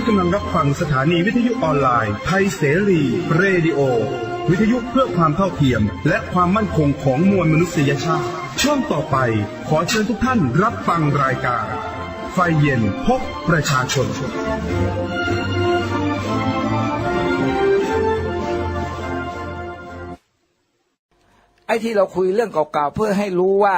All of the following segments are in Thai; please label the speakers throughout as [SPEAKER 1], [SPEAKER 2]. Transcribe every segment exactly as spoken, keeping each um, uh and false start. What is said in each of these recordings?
[SPEAKER 1] กำลังรับฟังสถานีวิทยุออนไลน์ไทยเสรีเรดิโอวิทยุเพื่อความเท่าเทียมและความมั่นคงของมวลมนุษยชาติช่วงต่อไปขอเชิญทุกท่านรับฟังรายการไฟเย็นพบประชาชน
[SPEAKER 2] ไอ้ที่เราคุยเรื่องเก่าๆเพื่อให้รู้ว่า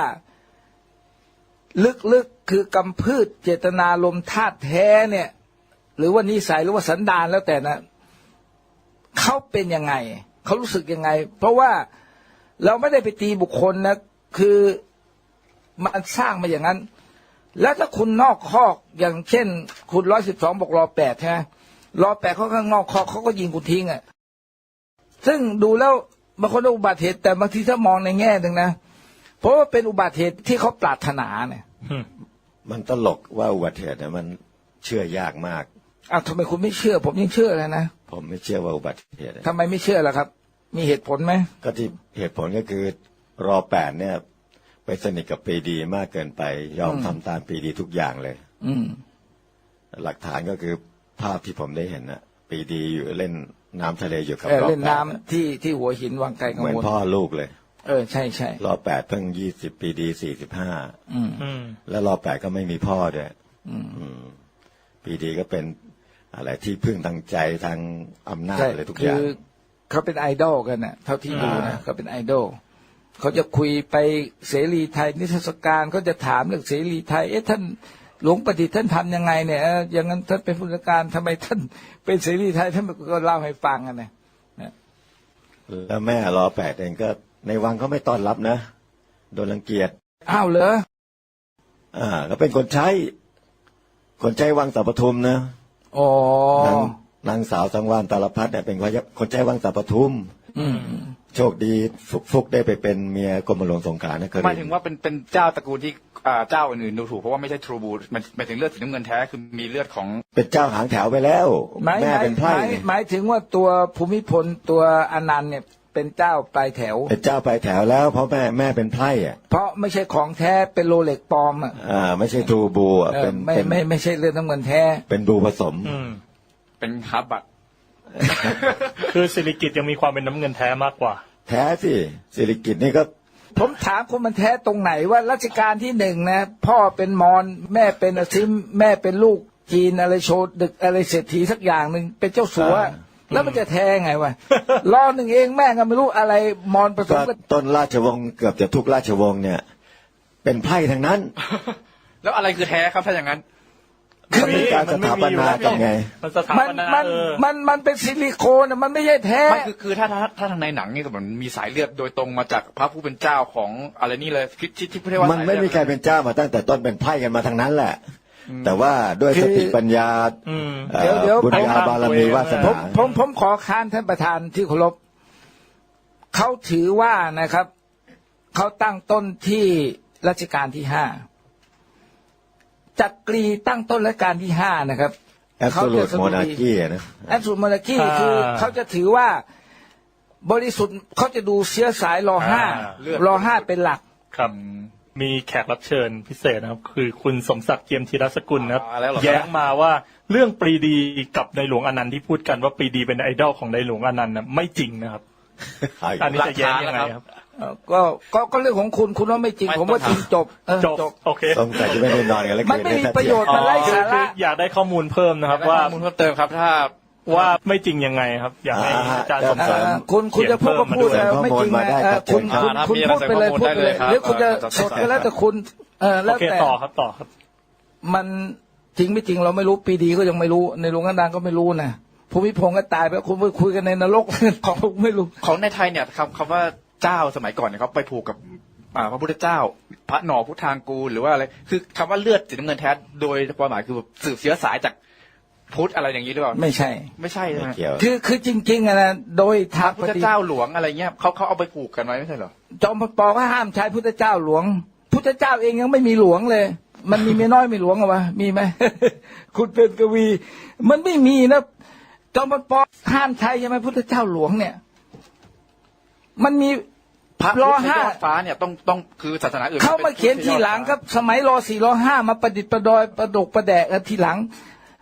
[SPEAKER 2] ลึกๆคือกำพืชเจตนาลมธาตุแท้เนี่ยหรือว่านิสัยหรือว่าสันดานแล้วแต่นะเขาเป็นยังไงเขารู้สึกยังไงเพราะว่าเราไม่ได้ไปตีบุคคลนะคือมันสร้างมาอย่างนั้นแล้วถ้าคุณนอกคอกอย่างเช่นคุณร้อยสิบสองบอกรอแปดใช่ไหมรอแปดเขาข้างนอกคอกเขาก็ยิงคุณทิ้งอ่ะซึ่งดูแล้วบางคนอุบัติเหตุแต่บางทีถ้ามองในแง่หนึ่งนะเพราะว่าเป็นอุบัติเหตุที่เขาปรารถนาเนี่ย
[SPEAKER 3] มันตลกว่าอุบัติเหตุเนี่ยมันเชื่อยากมาก
[SPEAKER 2] อ้าวทำไมคุณไม่เชื่อผมยังเชื่อเลยนะ
[SPEAKER 3] ผมไม่เชื่อว่าอุบัติเหตุ
[SPEAKER 2] ทำไมไม่เชื่อล่ะครับมีเหตุผลไหม
[SPEAKER 3] ก็ที่เหตุผลก็คือรอแปดเนี่ยไปสนิทกับปรีดีมากเกินไปยอมทำตามปรีดีทุกอย่างเลย
[SPEAKER 2] อืม
[SPEAKER 3] หลักฐานก็คือภาพที่ผมได้เห็นนะปรีดีอยู่เล่นน้ำทะเลอยู่กับรอแปด
[SPEAKER 2] เล่นน้ำที่ที่หัวหินวังไกลกังวล
[SPEAKER 3] เหมือนพ่อลูกเลย
[SPEAKER 2] เออใช่ใช่
[SPEAKER 3] รอแปดเพิ่งยี่สิบปรีดีสี่สิบห้าแล้วรอแปดก็ไม่มีพ่อด้วยปรีดีก็เป็นอะไรที่พึ่งทางใจทางอำนาจอะไรทุกอย่าง
[SPEAKER 2] คือเขาเป็นไอดอลกันน่ะเท่าที่ดูนะเขาเป็นไอดอลเขาจะคุยไปเสรีไทยนิทรรศการเขาจะถามเรื่องเสรีไทยเอ๊ะท่านหลวงประดิษฐ์ท่านทำยังไงเนี่ยอย่างนั้นท่านเป็นผู้จัดการทำไมท่านเป็นเสรีไทยท่านก็เล่าให้ฟังกันนะ
[SPEAKER 3] แล้วแม่รอแปดเองก็ในวังเขาไม่ต้อนรับนะโดนรังเกียจ
[SPEAKER 2] อ้าวเหรอ
[SPEAKER 3] อ่าก็เป็นคนใช้คนใช้วังสัปทุมนะ
[SPEAKER 2] อ๋
[SPEAKER 3] อนางสาวสังวานตาลพัฒน์เนี่ยเป็นคนใช้วังสัปทุมโชคดีฟุกได้ไปเป็นเมียกรมหลวงสงขลานะเคย
[SPEAKER 4] หมายถึงว่าเป็นเป็นเจ้าตระกูลที่เจ้าอื่นๆดูถูกเพราะว่าไม่ใช่ทรูบูมันหมายถึงเลือดสีน้ำเงินแท้คือมีเลือดของ
[SPEAKER 3] เป็นเจ้าหางแถวไปแล้วแม่เป็นไพร่
[SPEAKER 2] หมายถึงว่าตัวภูมิพลตัวอนันต์เนี่ยเป็นเจ้าปลายแถว
[SPEAKER 3] เป็นเจ้าปลายแถวแล้วเพราะแม่แม่เป็นไพร่อ่ะ
[SPEAKER 2] เพราะไม่ใช่ของแท้เป็นโรเล็กปลอมอ่ะ
[SPEAKER 3] อ่าไม่ใช่ทรูบูอ่ะเป็น
[SPEAKER 2] ไม่ไม่ไม่ใช่เลือดน้ำเงินแท้
[SPEAKER 3] เป็นบูผสม
[SPEAKER 4] เป็นฮับบัต
[SPEAKER 5] คือสิริกิติ์ยังมีความเป็นน้ำเงินแท้มากกว่า
[SPEAKER 3] แท้สิสิริกิติ์นี่ก็
[SPEAKER 2] ผมถามคุณมันแท้ตรงไหนว่ารัชกาลที่หนึ่งนะพ่อเป็นมอญแม่เป็นอซิมแม่เป็นลูกจีนอะไรโชดดึกอะไรเศรษฐีสักอย่างหนึ่งเป็นเจ้าสัวแล้วมันจะแท้ไงวะรอหนึ่งเองแม่ก็ไม่รู้อะไรมอญผสมกัน
[SPEAKER 3] ต้นราชวงศ์เกือบจะทุกราชวงศ์เนี่ยเป็นไพร่ทั้งนั้น
[SPEAKER 4] แล้วอะไรคือแท้ครับถ้าอย่างนั้น
[SPEAKER 3] มันเป็นการสถาปนากันไง
[SPEAKER 2] มันมันมันมันเป็นซิลิโคนมันไม่ใช่แท้
[SPEAKER 4] ไม่คือคือถ้าถ้าถ้าทางในหนังนี่มันมีสายเลือดโดยตรงมาจากพระผู้เป็นเจ้าของอะไรนี่เลยคิดที่ที่พูดว่า
[SPEAKER 3] มันไม่มีใครเป็นเจ้ามาตั้งแต่ต้นเป็นไพร่กันมาทางนั้นแหละแต่ว่าด้วยสติปัญญาบุญญาบารมีวาสนา
[SPEAKER 2] ผมผมผมขอค้านท่านประธานที่เคารพเขาถือว่านะครับเขาตั้งต้นที่รัชกาลที่ห้าจักรีตั้งต้นรัชกาลที่ห้านะครับ
[SPEAKER 3] เขาจะสมุนคีนะ
[SPEAKER 2] แอบสูตรโมนาคีคือเขาจะถือว่าบริสุทธิ์เขาจะดูเชื้อสายรอห้ารอห้าเป็นหลัก
[SPEAKER 5] ครับมีแขกรับเชิญพิเศษนะครับคือคุณสมศักดิ์เจียมธีรสกุลนะครับแย้งมาว่าเรื่องปรีดีกับในหลวงอนันต์ที่พูดกันว่าปรีดีเป็นไอดอลของในหลวงอนันต์นะไม่จริงนะครับอันนี้จะแย้งยังไงครับ
[SPEAKER 2] ก็ก็ก็เรื่องของคุณคุณว่าไม่จริงผมว่าจริงจบ
[SPEAKER 5] จบโอเค
[SPEAKER 3] สงสัยจะไม่ได้นอนกันแล้ว
[SPEAKER 2] มันไม่มีประโยชน์มันไร้สาระ
[SPEAKER 5] อยากได้ข้อมูลเพิ่มนะครับว่า
[SPEAKER 4] ข้อมูลเพิ่มเติมครับถ้า
[SPEAKER 5] ว่าไม่จริงยังไงครับอยากให้อาจารย์สมศักดิ์
[SPEAKER 2] คุณคุณจะพูดก็พูดไม่จริงนะคุณคุณคุณพูดไปเลยพูดไปเลยหรือคุณจะสดก็แล้วแต่คุณเออแล้วแต่
[SPEAKER 5] ต่อครับต่อครับ
[SPEAKER 2] มันจริงไม่จริงเราไม่รู้ปีดีก็ยังไม่รู้ในหลวงกันดังก็ไม่รู้นะภูมิพงษ์ก็ตายไปคุณไปคุยกันในนรกของไม่รู้
[SPEAKER 4] ของในไทยเนี่ยคำคำว่าเจ้าสมัยก่อนเนี่ยเขาไปผูกกับพระพุทธเจ้าพระหนอพุทธางกูลหรือว่าอะไรคือคำว่าเลือดสีน้ำเงินแท้โดยความหมายคือสืบเชื้อสายจากพุทธอะไรอย่างนี้หรือเปล่า
[SPEAKER 2] ไม่ใช่
[SPEAKER 4] ไม่ใช่ใช่ไหม
[SPEAKER 2] คือคือจริงๆนะโดยทาง
[SPEAKER 4] พุทธเจ้าหลวงอะไรเงี้ยเขาเขาเอาไปผูกกันไว้ไม่ใช่เหรอ
[SPEAKER 2] จอมพลปก็ห้ามใช้พุทธเจ้าหลวงพุทธเจ้าเองยังไม่มีหลวงเลยมันมีเมียน้อยมีหลวงเหรอวะมีไหม คุณเป็นกวีมันไม่มีนะจอมพลปห้ามใช้ใช่ไหมพุทธเจ้าหลวงเนี่ยมันมี
[SPEAKER 4] พระรอห้าฟ้าเนี่ยต้องต้องคือศาสนาอื่น
[SPEAKER 2] เขามาเขียนทีหลังครับสมัยรอสี่รอห้ามาประดิษฐ์ประดอยประดกประแดกทีหลัง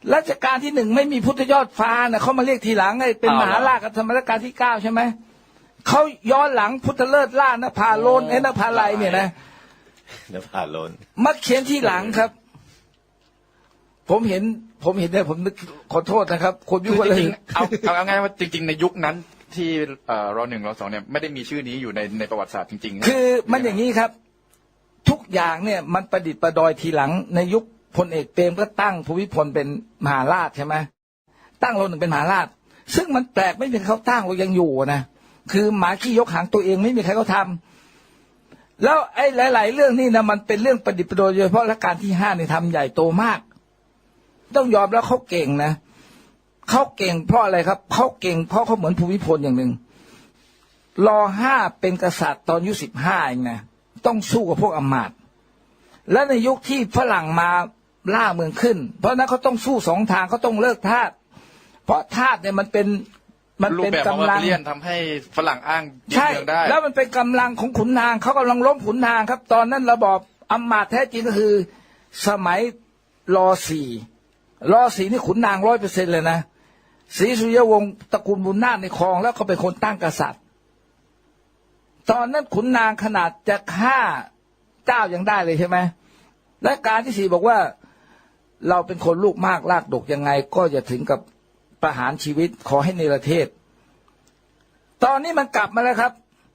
[SPEAKER 2] รัชกาลที่หนึ่งไม่มีพุทธยอดฟ้านะเขามาเรียกทีหลังไอ้เป็นมหาราชกับธรรมรัชกาลที่เก้าใช่ไหมเขาย้อนหลังพุทธเลิศล่านภาโลนไอ้นภาลัยเนี่ยนะ
[SPEAKER 3] นภาโลน
[SPEAKER 2] มาเขียนที่หลังครับ ผมเห็น ผมเห็นเนี่ยผมนึกขอโทษนะครับ คนยุค
[SPEAKER 4] คือ
[SPEAKER 2] เล
[SPEAKER 4] จ
[SPEAKER 2] ย
[SPEAKER 4] ริงๆเอาเอาเอาง่ายว่าจริง ๆ ในยุคนั้นที่เอ่อรอหนึ่งรอสองเนี่ยไม่ได้มีชื่อนี้อยู่ในในประวัติศาสตร์จริงๆ
[SPEAKER 2] คือมันอย่างนี้ครับ ทุกอย่างเนี่ยมันประดิษฐ์ประดอยทีหลังในยุคพลเอกเปรมก็ตั้งภูมิพลเป็นมหาราชใช่ไหมตั้งรอหนึ่งเป็นมหาราช ซึ่งมันแปลกไม่มีใครเขาตั้งเรายังอยู่นะคือหมาขี้ยกหางตัวเองไม่มีใครเขาทำแล้วไอ้หลาย ๆ เรื่องนี่นะมันเป็นเรื่องประดิษฐ์ประดอยโดยเฉพาะรัชกาลที่ห้าเนี่ยทำใหญ่โตมาก ต้องยอมแล้วเขาเก่งนะเขาเก่งเพราะอะไรครับเขาเก่งเพราะเขาเหมือนภูมิพลอย่างหนึ่งรอห้าเป็นกษัตริย์ตอนอายุสิบห้าเองนะต้องสู้กับพวกอำมาตย์และในยุคที่ฝรั่งมาล่าเมืองขึ้น เพราะนั้นเขาต้องสู้สองทางเขาต้องเลิกทาสเพราะทาสเนี่ยมันเป็นมัน
[SPEAKER 4] รูป
[SPEAKER 2] เป็น
[SPEAKER 4] แบบของ
[SPEAKER 2] กำลัง
[SPEAKER 4] เลียนทำให้ฝรั่งอ้างยึด
[SPEAKER 2] ใช่
[SPEAKER 4] เมืองได้
[SPEAKER 2] แล้วมันเป็นกำลังของขุนนางเขากำลังล้มขุนนางครับ ตอนนั้นระบอบอำมาตย์แท้จริงก็คือสมัยรอสี่รอสี่นี่ขุนนางร้อยเปอร์เซ็นต์เลยนะศรีสุริยวงศ์ตระกูลบุญนาถในครองแล้วเขาเป็นคนตั้งกษัตริย์ตอนนั้นขุนนางขนาดจะฆ่าเจ้ายังได้เลยใช่ไหมและการที่สี่บอกว่าเราเป็นคนลูกมากลากดกยังไงก็จะถึงกับประหารชีวิตขอให้เนรเทศตอนนี้มันกลับมาแล้วครับ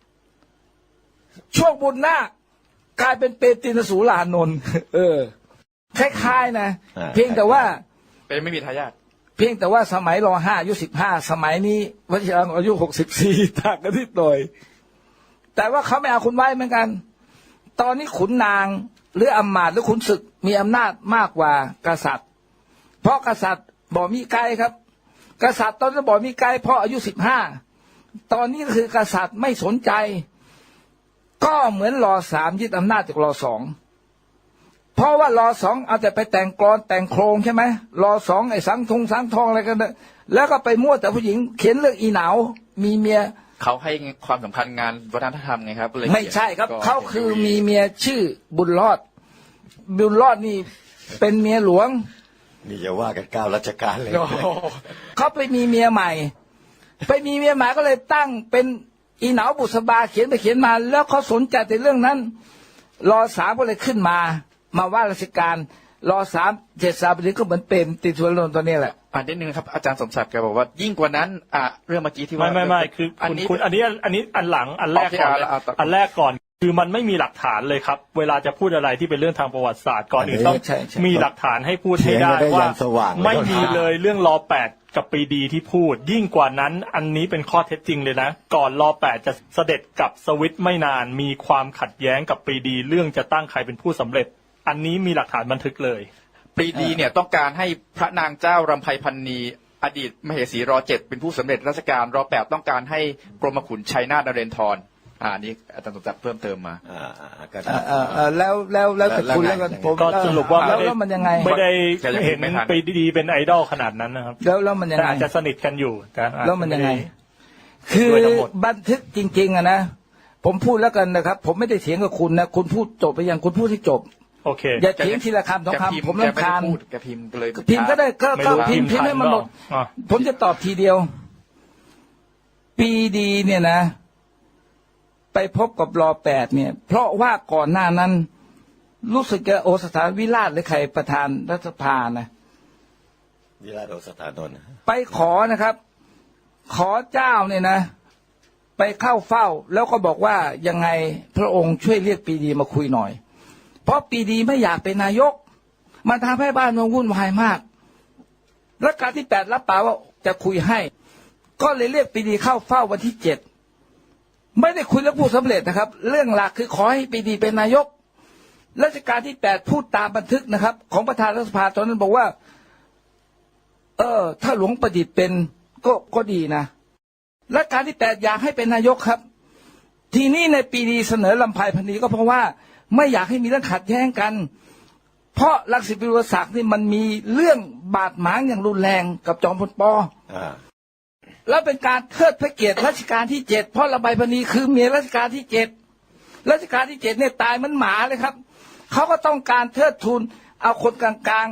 [SPEAKER 2] ช่วงบุญนาคกลายเป็นเปตินสูลานนท์ เออคล้ายๆนะเพียงแต่ว่า
[SPEAKER 4] เป็นไม่มีทายาท
[SPEAKER 2] เพียงแต่ว่าสมัยรอห้าอายุสิบห้าสมัยนี้วชิรังอายุหกสิบสี่ต่างกันนิดหน่อยแต่ว่าเขาไม่เอาคุณไว้เหมือนกันตอนนี้ขุนนางหรืออำมาตย์หรือขุนศึกมีอำนาจมากกว่ากษัตริย์เพราะกษัตริย์บ่มีไกลครับกษัตริย์ตอนนั้นบ่มีไกลเพราะอายุสิบห้าตอนนี้คือกษัตริย์ไม่สนใจก็เหมือนรอสามยึดอำนาจจากรอสองเพราะว่ารอสองเอาแต่ไปแต่งกลอนแต่งโครงใช่ไหมรอสองไอ้สังทงสังทองอะไรกันเนี่ยแล้วก็ไปมั่วแต่ผู้หญิงเขียนเรื่องอีหนาวมีเมีย
[SPEAKER 4] เขาให้ความสำคัญงานวัฒนธรรมไงครับเลย
[SPEAKER 2] ไม่ใช่ครับ
[SPEAKER 4] ก็
[SPEAKER 2] เขาคือมีเมียชื่อบุญรอดบุญรอดนี่เป็นเมียหลวง
[SPEAKER 3] นี่จะว่ากันเก้ารัชกาลเลย
[SPEAKER 4] โอ้โห
[SPEAKER 2] เขาไปมีเมียใหม่ ไปมีเมียใหม่ก็เลยตั้งเป็นอีหนาวบุษบาเขียนไปเขียนมา แล้วเขาสนใจในเรื่องนั้นรอสามก็เลยขึ้นมามาว่าราชการรอสามเจ็ดสามปีนี้ก็เหมือนเป็นติดสุรนนท์ตัวนี้แหละ
[SPEAKER 4] อ่านนิดนึงครับอาจารย์สมศักดิ์แกบอกว่ายิ่งกว่านั้นอ่ะเรื่องเมื่อกี้ที่ว่า
[SPEAKER 5] ไม่ไม่ไม่คือ
[SPEAKER 4] อัน
[SPEAKER 5] คุณ
[SPEAKER 4] นี้
[SPEAKER 5] คุณอันนี้อันนี้อันหลังอันแรกก่อนเลย
[SPEAKER 4] โอเคเอาเอา
[SPEAKER 5] อันแรกก่อนคือมันไม่มีหลักฐานเลยครับ เวลาจะพูดอะไรที่เป็นเรื่องทางประวัติศาสตร์ก่อนอื่นต้อง
[SPEAKER 2] ใช่ใช่
[SPEAKER 5] มีหลักฐานให้พูดให้ได้
[SPEAKER 3] เถียงกันได้
[SPEAKER 5] ว่า
[SPEAKER 3] ยันสว่างเลย
[SPEAKER 5] ไม่มีเลยเรื่องรอแปดกับปรีดีที่พูด ยิ่งกว่านั้นอันนี้เป็นข้อเท็จจริงเลยนะ ก่อนรอแปดจะเสด็จกับสวิตไม่นานมีความขัดแย้งกับปรีดีเรื่องจะตั้งใครเป็นผู้สำเร็จ อันนี้มีหลักฐานบันทึกเลย
[SPEAKER 4] ปรีดีเนี่ยต้องการให้พระนางเจ้ารำไพพันนีอดีตมเหสีรอเจ็ดเป็นผู้สำเร็จราชการรอแปดต้องการให้กรมขุนชัยนาทนเรนทรอ่านี่อาจารย์สมศักดิ์เพิ่มเติมมา
[SPEAKER 3] อ่าอ่าก็
[SPEAKER 2] เอ
[SPEAKER 3] ได้
[SPEAKER 2] อเออเออแล้วแล้วแล้วแต่คุณ
[SPEAKER 3] แล้
[SPEAKER 2] แล้ว ว
[SPEAKER 3] ไง
[SPEAKER 2] กันผม
[SPEAKER 5] ก็สรุปว่า
[SPEAKER 2] แล้ว
[SPEAKER 5] ไม่ได้
[SPEAKER 2] แล้วมันยังไง
[SPEAKER 5] ไม่ได้
[SPEAKER 4] แกยัง
[SPEAKER 5] เห็น
[SPEAKER 4] ไม่ทัน
[SPEAKER 5] ปรีดีเป็นไอดอลขนาดนั้นนะครับ
[SPEAKER 2] แล้วแล้วมันยัง
[SPEAKER 5] แต่
[SPEAKER 2] ไง
[SPEAKER 5] อาจจะสนิทกันอยู่แต่อาจจะ
[SPEAKER 2] แล้วมันยังไง
[SPEAKER 5] ด้
[SPEAKER 2] คือ
[SPEAKER 5] ด้วยทั้งหมด
[SPEAKER 2] บันทึกจริงๆอะนะผมพูดแล้วกันนะครับ ผมไม่ได้เถียงกับคุณนะคุณพูดจบไปยังคุณพูดให้จบ
[SPEAKER 5] โอเค
[SPEAKER 2] อย่าเถียงทีละคำสอง
[SPEAKER 4] แกพิ
[SPEAKER 2] คำผม
[SPEAKER 4] แก
[SPEAKER 2] รำคาญ
[SPEAKER 4] ไได้พูดแกพิมพ์เลย
[SPEAKER 2] พิมพ์ก็ได้ก็
[SPEAKER 5] ไม่
[SPEAKER 2] ก็
[SPEAKER 5] รู้
[SPEAKER 2] พิมพ์
[SPEAKER 5] พิ
[SPEAKER 2] พิ
[SPEAKER 5] มพ์
[SPEAKER 2] มพ์ให้มันหมด
[SPEAKER 5] ทันเปล่าอ่ะ
[SPEAKER 2] ผมจะตอบทีเดียว ปีดีเนี่ยนะ ไปพบกับรอแปดเนี่ย เพราะว่าก่อนหน้านั้น รู้สึกจะโอสถานวิราชหรือใครประธานรัฐสภานะ
[SPEAKER 3] วิราชโอสถานนท์
[SPEAKER 2] ไปขอนะครับ ขอเจ้าเนี่ยนะ ไปเข้าเฝ้า แล้วก็บอกว่ายังไงพระองค์ช่วยเรียกปีดีมาคุยหน่อย เพราะปีดีไม่อยากเป็นนายกมันทำให้บ้านเมืองวุ่นวายมากรัชกาลที่แปดรับปากว่าจะคุยให้ ก็เลยเรียกปีดีเข้าเฝ้าวันที่เจ็ดไม่ได้คุยเรื่องผู้สำเร็จนะครับ เรื่องหลักคือขอให้ปีดีเป็นนายกรัชกาลที่แปดพูดตามบันทึกนะครับ ของประธานรัฐสภาตอนนั้นบอกว่า เออ ถ้าหลวงประดิษฐ์เป็นก็ก็ดีนะรัชกาลที่แปดอยากให้เป็นนายกครับ ทีนี้ในปีดีเสนอลำไพพันนีก็เพราะว่าไม่อยากให้มีเรื่องขัดแย้งกัน เพราะรังสิตปิโรศักดิ์นี่มันมีเรื่องบาดหมางอย่างรุนแรงกับจอมพลป.
[SPEAKER 3] อ่า
[SPEAKER 2] แล้วเป็นการเทิดพระเกียรติรัชกาลที่เจ็ดเพราะลำไพพันนีคือเมียรัชกาลที่เจ็ดรัชกาลที่เจ็ดเนี่ยตายเหมันหมาเลยครับเขาก็ต้องการเทิดทูนเอาคนกลางๆ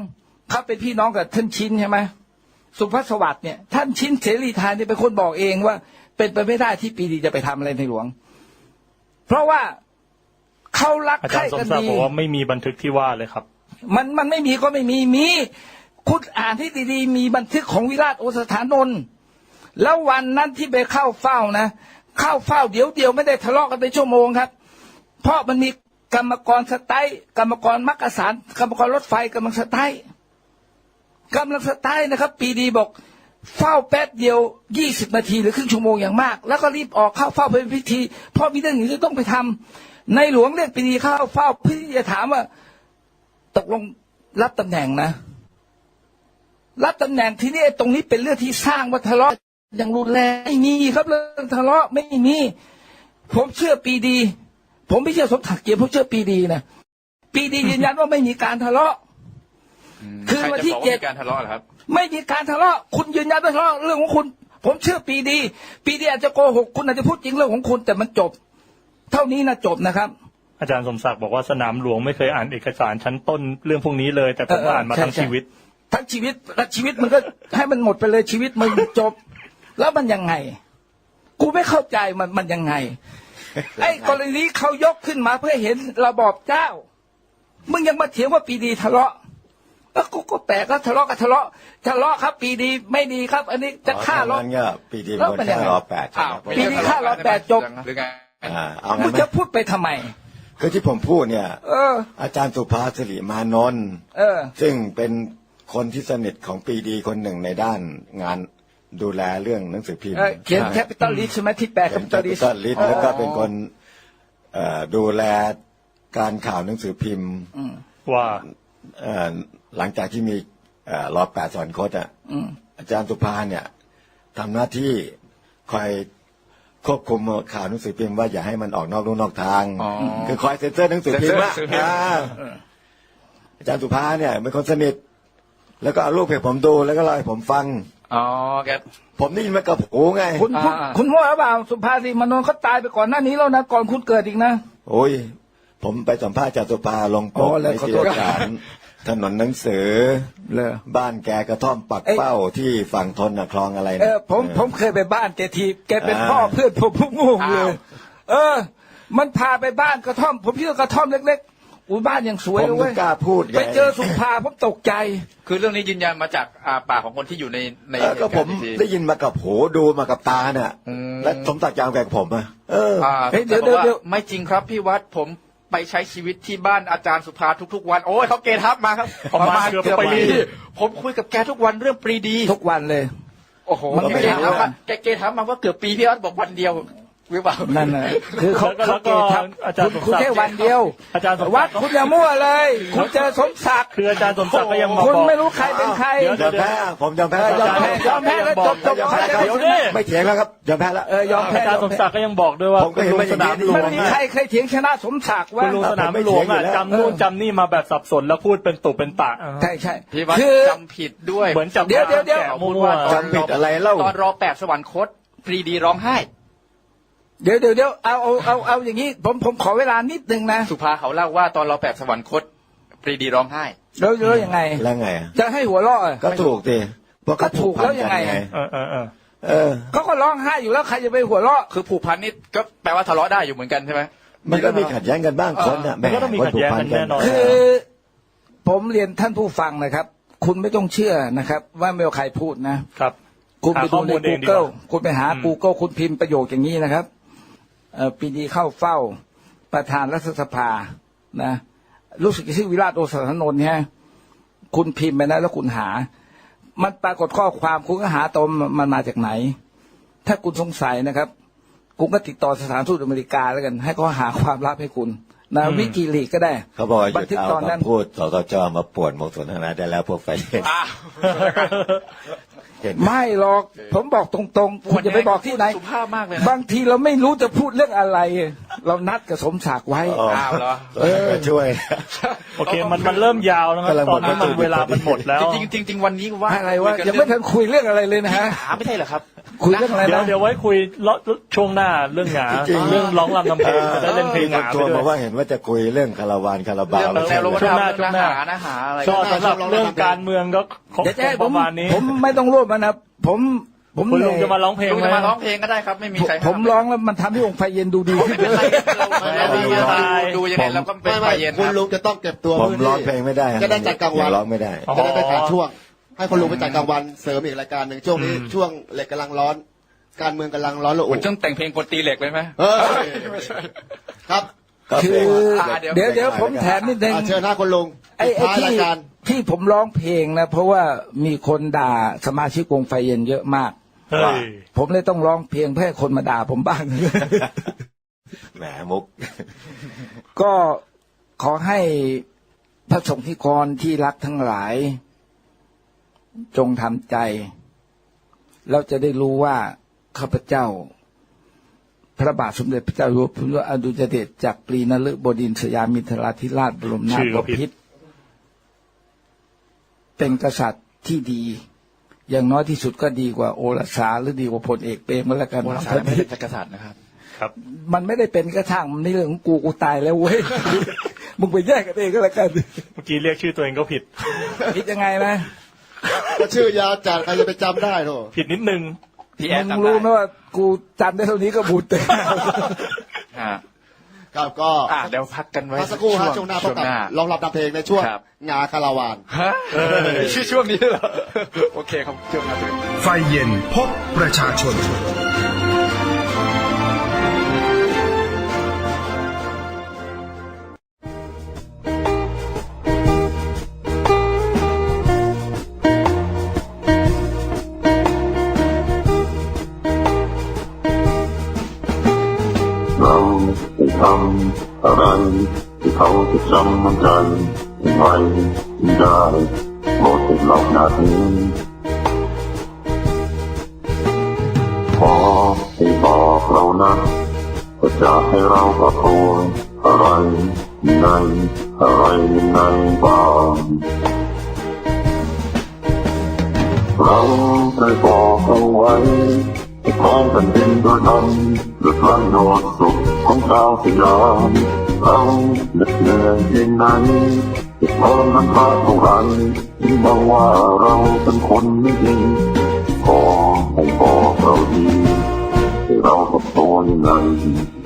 [SPEAKER 2] เขาเป็นพี่น้องกับท่านชินใช่ไหมสุภสวัสดิ์เนี่ยท่านชินเสรีไทยเนี่ยเป็นคนบอกเองว่าเป็นไปไม่ได้ที่ปรีดีจะไปทำอะไรในหลวง เพราะว่าเขารัก
[SPEAKER 5] อา
[SPEAKER 2] ใค
[SPEAKER 5] จาร
[SPEAKER 2] ร่
[SPEAKER 5] ย์สม
[SPEAKER 2] กัน
[SPEAKER 5] ศักดิ์
[SPEAKER 2] ดี
[SPEAKER 5] บอกว่าไม่มีบันทึกที่ว่าเลยครับ
[SPEAKER 2] มันมันไม่มีก็ไม่มีมีคุณอ่านที่ดีๆมีบันทึกของวิราชโอสถานนท์แล้ววันนั้นที่ไปเข้าเฝ้านะเข้าเฝ้าเดี๋ยวเดียวไม่ได้ทะเลาะกันเป็นชั่วโมงครับ เพราะมันมีกรรมกรสไตล์กรรมกรมักกะสารกรรมกรรถไฟกำลังสไตล์กำลังสไตล์นะครับปีดีบอกเฝ้าแป๊บเดียวยี่สิบนาทีหรือครึ่งชั่วโมงอย่างมากแล้วก็รีบออกเข้าเฝ้าเป็นพิธีเพราะมีเรื่องอื่นที่ต้องไปทำในหลวงเรียกปีดีเข้าเฝ้าเพื่อที่จะถามว่าตกลงรับตำแหน่งนะรับตำแหน่งที่นี่ตรงนี้เป็นเรื่องที่สร้างว่าทะเลาะอย่างรุนแรงไม่มีครับเรื่องทะเลาะไม่มีผมเชื่อปีดี ผมไม่เชื่อสมศักดิ์เกียรติผมเชื่อปีดีนะปีดียืนยันว่าไม่มีการทะเลาะคือวันที่เจ็ด
[SPEAKER 4] การทะเลาะเหรอครับ
[SPEAKER 2] ไม่มีการทะเลาะคุณยืนยันว่าทะเลาะเรื่องของคุณ ผมเชื่อปีดี ปีดีอาจจะโกหกคุณอาจจะพูดจริงเรื่องของคุณแต่มันจบ เท่านี้นะจบนะครับ
[SPEAKER 5] อาจารย์สมศักดิ์บอกว่าสนามหลวงไม่เคยอ่านเอกสารชั้นต้นเรื่องพวกนี้เลย แต่ผมอ่านมาทั้งชีวิต
[SPEAKER 2] ทั้งชีวิตและชีวิตมันก็ให้มันหมดไปเลยชีวิตมันจบ แล้วมันยังไง กูไม่เข้าใจมันมันยังไง ไอ้กรณีนี้เขายกขึ้นมาเพื่อเห็นระบอบเจ้า มึงยังมาเถียงว่าปีดีทะเลาะแล้วกูก็แปลกแล้วทะเลาะกับทะเลาะทะเลาะครับ ปีดีไม่ดีครับ อันนี้จะฆ่า
[SPEAKER 3] ล้
[SPEAKER 2] ล้
[SPEAKER 3] อ
[SPEAKER 2] อ
[SPEAKER 3] งั้นก็ปีดีเป็นคนฆ่ารอแปดใช่ไหม
[SPEAKER 2] ปีดีฆ่ารอแปดจบ
[SPEAKER 4] หรือไง
[SPEAKER 3] อ่าเอา
[SPEAKER 2] มึ
[SPEAKER 3] งั้
[SPEAKER 2] ง
[SPEAKER 3] นไหม
[SPEAKER 2] จะพูดไปทำไม
[SPEAKER 3] คือที่ผมพูดเนี่ย
[SPEAKER 2] เออ
[SPEAKER 3] อาจารย์สุภาสิริมานนท์
[SPEAKER 2] เออ
[SPEAKER 3] ซึ่งเป็นคนที่สนิทของปีดีคนหนึ่งในด้านงานดูแลเรื่องหนังสือพิมพ์
[SPEAKER 2] เออเขียนแคปิตอลลิสใช่ไหมที่แปลแค
[SPEAKER 3] เป็น
[SPEAKER 2] ปิ
[SPEAKER 3] แค
[SPEAKER 2] ตอลลิ
[SPEAKER 3] ปิ
[SPEAKER 2] ส
[SPEAKER 3] ตอลลิสแล้วก็เป็นคนเอ่อดูแลการข่าวหนังสือพิมพ์
[SPEAKER 5] ว่า
[SPEAKER 3] เอ่อหลังจากที่มีเอ่อรอแปดสอนคตอ่ะอาจารย์สุภาเนี่ยทำหน้าที่คอยควบคุมข่าวหนังสือพิมพ์ว่าอย่าให้มันออกนอกลู่นอกทาง
[SPEAKER 4] อ๋อ
[SPEAKER 3] คือคอยเซ็นเซอร์หนังสือพิมพ์ว่า
[SPEAKER 4] เซ็นเซอร์หนังสือพิมพ์
[SPEAKER 3] อ่าอาจารย์สุภาเนี่ยเป็นคนสนิทแล้วก็เอารูปให้ผมดูแล้วก็เล่าให้ผมฟัง
[SPEAKER 4] อ๋อแก
[SPEAKER 3] ผมได้ยินมากับหูไง
[SPEAKER 2] คุณคุณ
[SPEAKER 4] อ่า
[SPEAKER 2] คุณมั่วหรือเปล่าสุภาษิมานนท์เขาตายไปก่อนหน้านี้แล้วนะก่อนคุณเกิดอีกนะ
[SPEAKER 3] โอ้ยผมไปสัมภาษณ์อาจารย์สุภาลงป
[SPEAKER 2] อ๋
[SPEAKER 3] ก
[SPEAKER 2] อแล้ว
[SPEAKER 3] ใน
[SPEAKER 2] ขอ
[SPEAKER 3] ที่
[SPEAKER 2] โทษ
[SPEAKER 3] อาจารย์ถนนหนังสือ
[SPEAKER 2] เลย
[SPEAKER 3] บ้านแกกระท่อมปัก
[SPEAKER 2] เอ้ย
[SPEAKER 3] เป้าที่ฝั่งทนนะคลองอะไร
[SPEAKER 2] เอ
[SPEAKER 3] นะ
[SPEAKER 2] อผมผมเคยไปบ้านแกทีแกเป็น
[SPEAKER 3] อ่า
[SPEAKER 2] พ่อเพื่อนผมผมงงเล
[SPEAKER 4] อ้าวย
[SPEAKER 2] เออ มันพาไปบ้านกระท่อม ผมคิดว่ากระท่อมเล็กๆอุ้ยบ้านยังสวย
[SPEAKER 3] ผม
[SPEAKER 2] เลย
[SPEAKER 3] ไม่
[SPEAKER 2] เว้ย
[SPEAKER 3] กล้าพูดไง
[SPEAKER 2] ไปเจอสุภาผมตกใจ
[SPEAKER 4] คือเรื่องนี้ยืนยันมาจากอ่าปากของคนที่อยู่ในใน
[SPEAKER 3] เออก็ผม
[SPEAKER 4] เหตุการณ์จริงๆ
[SPEAKER 3] ได้ยินมากับหูดูมากับตาเนี่ย
[SPEAKER 4] อืม
[SPEAKER 3] และสมศักดิ์ยาวแกกับผมอะเออ
[SPEAKER 4] อ่า
[SPEAKER 2] เฮ้ยเดี๋ยว
[SPEAKER 4] แต่บอกา
[SPEAKER 2] เดี๋ยว
[SPEAKER 4] ไม่จริงครับพี่วัดผมไปใช้ชีวิตที่บ้านอาจารย์สุภาทุกๆวันโอ้ยเขาเกทับมาครับ
[SPEAKER 5] ประมาณเกือบปี
[SPEAKER 4] ผมคุยกับแกทุกวันเรื่องปรีดี
[SPEAKER 2] ทุกวันเลย
[SPEAKER 4] โอ้โห
[SPEAKER 2] มันไม่
[SPEAKER 4] แก
[SPEAKER 2] ได้
[SPEAKER 4] ถามว่าแกเกทับมาว่าเกือบปีพี่วัดบอกวันเดียวหรือเปล่า
[SPEAKER 2] นั่นน่ะคือเขา
[SPEAKER 5] แล้วก็
[SPEAKER 2] เขาเกทับ
[SPEAKER 5] อาจารย์
[SPEAKER 2] คุณคุณ
[SPEAKER 5] สมศักดิ์
[SPEAKER 2] แค่วันเดียว
[SPEAKER 5] อาจารย์สมศั
[SPEAKER 2] วั
[SPEAKER 5] ก
[SPEAKER 2] ด
[SPEAKER 5] ดิ์
[SPEAKER 2] คุณอย่ามั่วเลย คุณเจอสมศักดิ์
[SPEAKER 5] คืออาจารย์สมศักดิ์ก็ยังมา
[SPEAKER 2] คุณ
[SPEAKER 5] บอก
[SPEAKER 2] ไม่รู้ใครเป็นใคร
[SPEAKER 5] เดี๋ยว
[SPEAKER 3] ยอมแพ้ผมยอมแพ้
[SPEAKER 2] เออยอมแพ้ยอมแพ้แล้วจบจบ
[SPEAKER 3] ยอมแพ้ครับ
[SPEAKER 2] เดี๋ยวนี้
[SPEAKER 3] ไม่เถียงแล้วครับยอมแพ้แล้ว
[SPEAKER 2] เออยอมแพ้
[SPEAKER 5] อาจารย์สมศักดิ์ก็ยังบอกด้วยว่า
[SPEAKER 3] ผมก็เห็น
[SPEAKER 5] คุณลุ
[SPEAKER 3] ว่าง อย่าง
[SPEAKER 5] ส
[SPEAKER 3] นี้
[SPEAKER 5] นามหลว
[SPEAKER 2] มัน
[SPEAKER 5] ง
[SPEAKER 2] มี
[SPEAKER 5] อะ
[SPEAKER 2] ใครเคยเถียงชนะสมศักดิ์
[SPEAKER 5] คุ
[SPEAKER 2] ว่า
[SPEAKER 5] ณลุงสนามหลวงอะจำนู่นจำนี่มาแบบสับสนแล้วพูดเป็นตุเป็นตะ
[SPEAKER 2] ใช่ใช่
[SPEAKER 4] พี่วัด
[SPEAKER 2] คือ
[SPEAKER 4] จำผิดด้วย
[SPEAKER 5] เหมือนจับ
[SPEAKER 2] เดี๋ยวเดี๋ยวเดี๋ยว
[SPEAKER 5] แกะมั่
[SPEAKER 4] พูด
[SPEAKER 5] ว
[SPEAKER 4] ว่า
[SPEAKER 3] จำผิดอะไรเล่า
[SPEAKER 4] ตอนรอแปดสวรรคตปรีดีร้องไห้
[SPEAKER 2] เดี๋ยวเดี๋ยวเดี๋ยวเอาเอาเอาเอาอย่างนี้ผมผมขอเวลานิดนึงนะ
[SPEAKER 4] สุภาเขาเล่าว่าตอนรอแปดสวรรคตปรีดีร้องไห้
[SPEAKER 2] แล้วแล้วยังไง
[SPEAKER 3] แล้วไงอะ
[SPEAKER 2] จะให้หัวเราะอ่ะ
[SPEAKER 3] ก็ถูกดิเพราะ
[SPEAKER 2] ก็ถูกแล้วยังไง
[SPEAKER 5] เออเออเออ
[SPEAKER 3] เออ
[SPEAKER 2] เขาก็ร้องไห้อยู่แล้วใครจะไปหัวเราะ
[SPEAKER 4] คือผูกพันนี่ก็แปลว่าทะเลาะได้อยู่เหมือนกันใช่ไหม
[SPEAKER 3] มันก็มีขัดแย้งกันบ้างคนน่ะ
[SPEAKER 5] มันก็ต้องมีขัดแย้งกันแน่นอน
[SPEAKER 2] คือผมเรียนท่านผู้ฟังนะครับ คุณไม่ต้องเชื่อนะครับ ว่าไม่ว่าใครพูดนะ
[SPEAKER 5] ครับ
[SPEAKER 2] คุณไป
[SPEAKER 5] หาข้
[SPEAKER 2] ดู
[SPEAKER 5] อ
[SPEAKER 2] ใน
[SPEAKER 5] มูลเองดีกว่า
[SPEAKER 2] Google คุณไปหา
[SPEAKER 5] อืม
[SPEAKER 2] Google คุณพิมพ์ประโยคอย่างนี้นะครับเอ่อปีดีเข้าเฝ้าประธานรัฐสภานะรู้สึกชื่อวิราชโอสถานนท์เนี่ยคุณพิมพ์ไปนะแล้วคุณหา มันปรากฏข้อความคุณก็หาตมมันมาจากไหน ถ้าคุณสงสัยนะครับคุณก็ติดต่อสถานทูตอเมริกาแล้วกัน ให้เขาหาความลับให้คุณนะวิกิลีกก็ได้
[SPEAKER 3] เขาบอกว่าห
[SPEAKER 2] บั
[SPEAKER 3] ยุ
[SPEAKER 2] น
[SPEAKER 3] ด
[SPEAKER 2] ทึก
[SPEAKER 3] เอา
[SPEAKER 2] ตอนนั้น
[SPEAKER 3] คำพูดสสจมาป่วนมงสนทนาได้แล้วพวกไฟเล่น
[SPEAKER 4] อ้าว
[SPEAKER 3] เห็น
[SPEAKER 2] ไม่หรอก ผมบอกตรงๆ คุณจะไปบอกที่ไหน
[SPEAKER 4] สุภาพมากเลยนะ
[SPEAKER 2] บางทีเราไม่รู้จะพูดเรื่องอะไร เรานัดกับสมศักดิ์ไว้
[SPEAKER 3] อ๋อ
[SPEAKER 4] อ้าวเหรอ
[SPEAKER 3] เออช่วย
[SPEAKER 5] โอเคมันมันเริ่มยาวแล้วครับ
[SPEAKER 3] กำลัง
[SPEAKER 5] ตอนนี้
[SPEAKER 3] หมด
[SPEAKER 5] มันเวลามันหมดแล้ว
[SPEAKER 4] จริงๆจริงๆวันนี้ว่า
[SPEAKER 2] อะไรวะ
[SPEAKER 4] คุกัน
[SPEAKER 2] ยังไม่ทันคุยเรื่องอะไรเลยนะฮะ
[SPEAKER 4] หาไม่ใช่เหรอครับ
[SPEAKER 2] คุยเรื่องอะไร
[SPEAKER 5] เดี๋ยว
[SPEAKER 2] นะ
[SPEAKER 5] เดี๋ยวไว้คุยเลาะช่วงหน้าเรื่องหงา
[SPEAKER 3] จริงๆ
[SPEAKER 5] เรื่องร้องรำทำเพลงจะได้เล่นเพลงห
[SPEAKER 3] มี
[SPEAKER 5] งา
[SPEAKER 3] คน
[SPEAKER 5] ไป
[SPEAKER 3] โทร
[SPEAKER 5] ด้ว
[SPEAKER 3] มาย ว่าเห็นว่าจะคุยเรื่องคาราวานคาราบา
[SPEAKER 4] เรื่
[SPEAKER 3] ว
[SPEAKER 4] องแนวโลก
[SPEAKER 5] ช่วงหน้า
[SPEAKER 4] เรื่อง
[SPEAKER 5] ช่วงหน้า
[SPEAKER 4] หานะหาอะไร
[SPEAKER 5] ก็สำหรับเรื่องการเมืองก็คง
[SPEAKER 2] เดี๋ยวจะให้
[SPEAKER 5] ป
[SPEAKER 2] ผม
[SPEAKER 5] ระมาณนี้
[SPEAKER 2] ผมไม่ต้องร่วมมันนะผมผม
[SPEAKER 5] คุณ
[SPEAKER 2] เห
[SPEAKER 5] ลุ
[SPEAKER 2] นื่
[SPEAKER 5] ง
[SPEAKER 2] อย
[SPEAKER 5] จะมาร้องเพลง
[SPEAKER 4] ลุง
[SPEAKER 5] ไหม
[SPEAKER 4] จะมาร้องเพลงก็ได้ครับ ไม่มีใคร
[SPEAKER 2] ผมร้องแล้วมันทำให้องค์ไฟเย็นดูดีขึ้น
[SPEAKER 4] ไม่เป็นไรเราดูยังไงเราก็เป็น
[SPEAKER 6] ไม่
[SPEAKER 4] ไฟ
[SPEAKER 6] ไม่
[SPEAKER 4] เย็นค
[SPEAKER 6] คุณ
[SPEAKER 4] รับ
[SPEAKER 6] ลุงจะต้องเก็บตัว
[SPEAKER 3] ผม
[SPEAKER 6] พื้นที่
[SPEAKER 3] ร้องเพลงไม่ได้
[SPEAKER 6] จะได้จัดกลางวัน
[SPEAKER 3] ยังร้องไม่ได้
[SPEAKER 5] อ๋อ
[SPEAKER 6] จะได้ไปขาดช่วง ให้คุณลุงไปจัดกลางวันเสริมอีกรายการหนึ่งช่วงนี้ช่วงเหล็กกำลังร้อน การเมืองกำลังร้อนระ
[SPEAKER 4] เห
[SPEAKER 6] อุ
[SPEAKER 4] มือนช่วงแต่งเพลงกดตีเหล็กเลยไหม
[SPEAKER 6] เออครับ
[SPEAKER 3] ก็
[SPEAKER 2] คื
[SPEAKER 3] เพล
[SPEAKER 2] อง
[SPEAKER 4] อ่าเดี๋ยว
[SPEAKER 2] เดี๋ยวเดี๋ยวผมแถมนิดนึง
[SPEAKER 6] อ่ะเชิญหน้าคุณลุง
[SPEAKER 2] ไอ้
[SPEAKER 6] ปิด
[SPEAKER 2] ไอ้
[SPEAKER 6] ท้าย
[SPEAKER 2] ที่
[SPEAKER 6] รายการ
[SPEAKER 2] ที่ผมร้องเพลงนะเพราะว่ามีคนด่าสมาชิกวงไฟเย็นเยอะมาก
[SPEAKER 5] เฮ้ย
[SPEAKER 2] ผมเลยต้องร้องเพลงเพื่อให้คนมาด่าผมบ้าง
[SPEAKER 3] แหมมุก
[SPEAKER 2] ก็ขอให้พระสงฆ์นิกรที่รักทั้งหลาย จงทำใจเราจะได้รู้ว่าข้าพเจ้า พระบาทสมเด็จพระเจ้าอยู่หัวพระอดุลยเดชจักรีนฤบดินทร์สยามินทราธิราชบรมนาถ
[SPEAKER 5] ชื่อบ ก็ผิด
[SPEAKER 2] พิตรเป็นกษัตริย์ที่ดี อย่างน้อยที่สุดก็ดีกว่าโอรสาหรือดีกว่าพลเอกเปรมก็แล้วกัน
[SPEAKER 4] โบราณศาสตร์ไม่ได้เป็นกษัตริย์นะครับ
[SPEAKER 5] ครับ
[SPEAKER 2] มันไม่ได้เป็นกระช่างมันในเรื่องของกูกูตายแล้วเว้ย มึงไปแยกกันเองก็แล้วกัน
[SPEAKER 5] เมื่อกี้เรียกชื่อตัวเองก็ผิด
[SPEAKER 2] คิดยังไงนะ
[SPEAKER 6] ก็ชื่อยาวจัดใครจะไปจำได้โถ
[SPEAKER 5] ผิดนิดนึง
[SPEAKER 4] พี่แอ
[SPEAKER 2] มึ
[SPEAKER 4] น
[SPEAKER 2] ง
[SPEAKER 4] จำได้
[SPEAKER 2] รู้ไหมว่ากูจำได้เท่านี้ก็บุญเต็ม
[SPEAKER 4] อ่า
[SPEAKER 6] ครับก็
[SPEAKER 4] อ่าเดี๋ยวพักกันไว้
[SPEAKER 6] พักสักครู่ฮะช่วงหน้าพบกับลองรับดับเพลงในช่วง
[SPEAKER 4] ครับ
[SPEAKER 6] งาคาราวาน
[SPEAKER 4] ฮะชื่อช่วงนี้เหรอโอเคครับช่วงหน้า
[SPEAKER 1] ไฟเย็นพบประชาชน
[SPEAKER 7] เราได้ทำอะไรที่เขาจะจำมันใจไว้ได้โปรดติดหลอกนาทีขอให้บอกเรานะว่าจะให้เราประโคนอะไรในอะไรในบ้างเราได้บอกเอาไว้ให้ของแผ่นดินโดยธรรมหรือพระโนดสุขของชาวสยามเราเหน็ดเหนื่อยเพียงไหนจะทนมันพาเท่าไรที่มองว่าเราเป็นคนไม่ดีขอให้บอกเราดีให้เรากับตัวยังไง